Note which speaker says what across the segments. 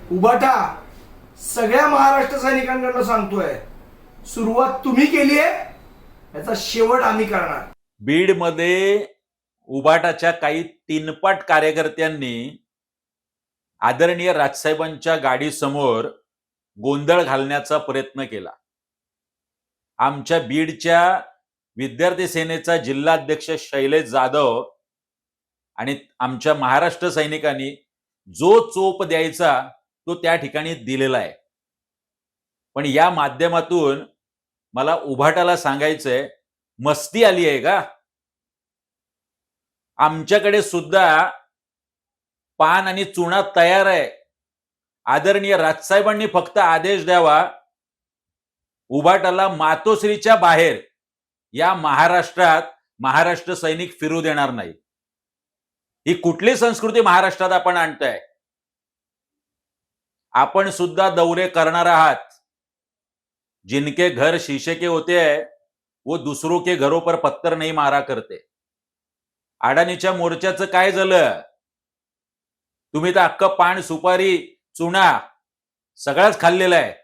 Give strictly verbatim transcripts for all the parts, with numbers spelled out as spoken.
Speaker 1: उभाटा सगळ्या महाराष्ट्र सैनिकांकडनं सांगतोय, सुरुवात तुम्ही केली आहे, याचा शेवट आम्ही करणार।
Speaker 2: बीडमध्ये उभाटाच्या काही तीनपाट कार्यकर्त्यांनी आदरणीय राजसाहेबांच्या गाडीसमोर गोंधळ घालण्याचा प्रयत्न केला। आमच्या बीडच्या विद्यार्थी सेनेचा जिल्हाध्यक्ष शैलेश जाधव आणि आमच्या महाराष्ट्र सैनिकांनी जो चोप द्यायचा तो त्या ठिकाणी दिलेला आहे। पण या माध्यमातून मला उभाटाला सांगायचंय, मस्ती आली आहे का? आमच्याकडे सुद्धा पान आणि चुना तयार आहे। आदरणीय राजसाहेबांनी फक्त आदेश द्यावा, उभाटाला मातोश्रीच्या बाहेर या महाराष्ट्रात महाराष्ट्र सैनिक फिरू देणार नाही। ही कुठली संस्कृती महाराष्ट्रात आपण आणताय? आपण सुद्धा दौरे करणार आहात। जिनके घर शीशे के होते हैं वो दूसरों के घरों पर पत्थर नहीं मारा करते। अडाणीच्या मोर्चाचं काय झालं? तुम्ही तर अख्खं पान सुपारी चुना सगळंच खाल्लेलं आहे।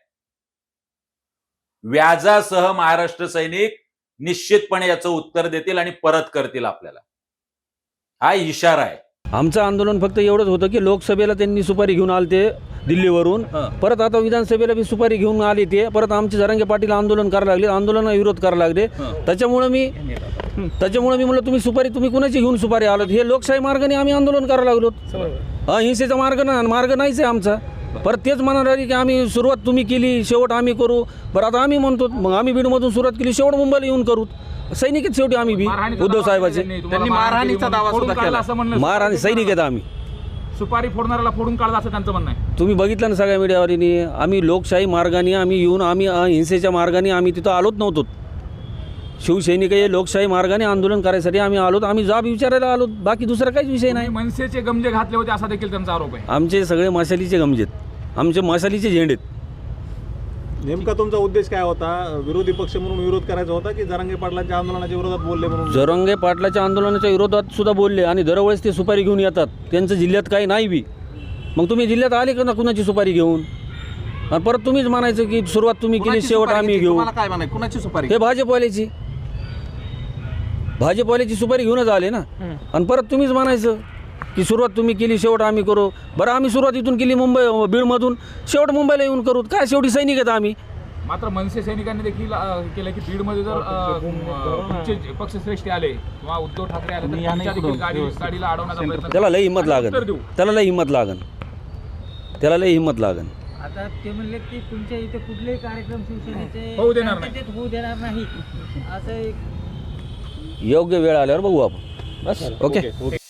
Speaker 2: व्याजासह महाराष्ट्र सैनिक निश्चितपणे याचं उत्तर देतील आणि परत करतील आपल्याला, हा इशारा आहे।
Speaker 3: आमचं आंदोलन फक्त एवढंच होतं की लोकसभेला त्यांनी सुपारी घेऊन आले दिल्लीवरून, परत आता विधानसभेला बी सुपारी घेऊन आले ते, परत आमचे जरांगे पाटील आंदोलन करायला लागले, आंदोलनाला विरोध करायला लागले। त्याच्यामुळे मी त्याच्यामुळे मी म्हणलं तुम्ही सुपारी तुम्ही कुणाची घेऊन सुपारी आलात? हे लोकशाही मार्गाने आम्ही आंदोलन करायला लागलो, अहिंसेचा मार्ग ना मार्ग नाहीच आहे आमचा। परत तेच म्हणायला लागले की आम्ही सुरुवात तुम्ही केली, शेवट आम्ही करू। बरं आता आम्ही म्हणतो मग आम्ही बीडमधून सुरुवात केली, शेवट मुंबईला येऊन करू। सैनिक आहेत शेवटी आम्ही बी उद्धव साहेबाचे।
Speaker 4: त्यांनी मारहाणीचा दावा सुद्धा केला असं म्हणलं।
Speaker 3: मारहाणी सैनिक आहेत आम्ही,
Speaker 4: सुपारी फोडणाऱ्याला फोडून काढला असं त्यांचं म्हणणं आहे।
Speaker 3: तुम्ही बघितलं ना सगळ्या मीडियावरीने, आम्ही लोकशाही मार्गाने आम्ही येऊन आम्ही अहिंसेच्या मार्गाने आम्ही तिथं आलोच नव्हतो। शिवसैनिक हे लोकशाही मार्गाने आंदोलन करायसाठी आम्ही आलोत, आम्ही जाब विचारायला आलो, बाकी दुसरा काहीच विषय नाही।
Speaker 4: मनसेचे गमजे घातले होते असा देखील त्यांचा आरोप आहे।
Speaker 3: आमचे सगळे मशालीचे गमजेत, आमचे मशालीचे झेंडेत।
Speaker 5: नेमका तुमचा उद्देश काय होता? विरोधी पक्ष म्हणून विरोध करायचा होता की जरांगे पाटलांच्या आंदोलनाच्या विरोधात बोलले म्हणून?
Speaker 3: जरांगे पाटलाच्या आंदोलनाच्या विरोधात सुद्धा बोलले आणि दरवेळेस ते सुपारी घेऊन येतात, त्यांचं जिल्ह्यात काही नाही बी। मग तुम्ही जिल्ह्यात आले का ना कुणाची सुपारी घेऊन? आणि परत तुम्हीच म्हणायचं की सुरुवात तुम्ही केली, शेवट आम्ही घेऊ।
Speaker 4: काय म्हणाय कुणाची सुपारी?
Speaker 3: हे भाजपवाल्याची भाजपवाल्याची सुपारी घेऊनच आले ना, आणि परत तुम्हीच म्हणायचं की सुरुवात तुम्ही केली, शेवट आम्ही करू। बरं आम्ही सुरुवात इथून केली मुंबई बीडमधून, शेवट मुंबईला येऊन करू। काय शेवटी सैनिक आहेत आम्ही।
Speaker 4: मात्र मनसे सैनिकांनी देखील केलं की बीडमध्ये जर तुमचे पक्षश्रेष्ठी आले किंवा उद्धव ठाकरे आले तर त्यांच्या देखील गाडी गाडीला अडवण्याचा प्रयत्न,
Speaker 3: त्याला लई हिंमत लागन, त्याला लई हिंमत लागन, त्याला लई हिंमत लागन।
Speaker 6: आता ते म्हणले की तुमच्या इथे कुठलेही कार्यक्रम शिवसेनेचे
Speaker 4: होऊ देणार नाही,
Speaker 6: होऊ देणार नाही असं एक
Speaker 3: योग्य वेळ आल्यावर बघू आपण, बस ओके।